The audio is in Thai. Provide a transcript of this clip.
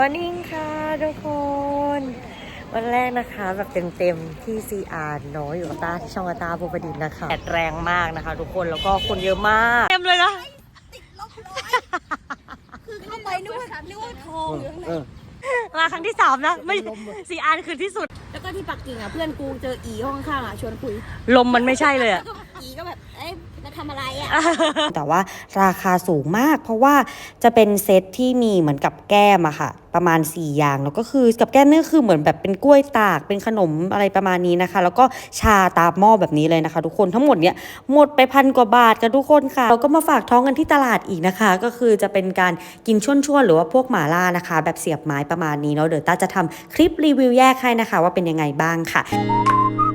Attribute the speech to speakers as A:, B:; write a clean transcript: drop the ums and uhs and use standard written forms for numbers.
A: วันนี้ค่ะทุกคนวันแรกนะคะแบบเต็มๆที่ CR เนาะอยู่กับตาที่ช่องตาภูประดิษฐ์นะคะแดดแรงมากนะคะทุกคนแล้วก็คนเยอะมากเต็มเลยนะ
B: ติดลบร้อยคือเข้าไปนึกว่าทองอยู่ข้างใน
A: มาครั้งที่3นะไม่ CR คือที่สุด
B: แล้วก็ที่ปักกิ่งอ่ะเพื่อนกูเจออีห้องข้างอ่ะชวนคุย
A: ลมมันไม่ใช่เลยอะ
B: อีก็แบบเอ๊ะจะทำอะไรอ่ะ
C: แต่ว่าราคาสูงมากเพราะว่าจะเป็นเซตที่มีเหมือนกับแก้มอะค่ะประมาณ4อย่างแล้วก็คือกับแก้มนี่คือเหมือนแบบเป็นกล้วยตากเป็นขนมอะไรประมาณนี้นะคะแล้วก็ชาตามหม้อแบบนี้เลยนะคะทุกคนทั้งหมดเนี่ยหมดไป1,000 กว่าบาทกันทุกคนค่ะเราก็มาฝากท้องกันที่ตลาดอีกนะคะก็คือจะเป็นการกินช่วงๆหรือว่าพวกหม่าล่านะคะแบบเสียบไม้ประมาณนี้เนาะเดี๋ยวต้าจะทำคลิปรีวิวแยกให้นะคะว่าเป็นยังไงบ้างค่ะ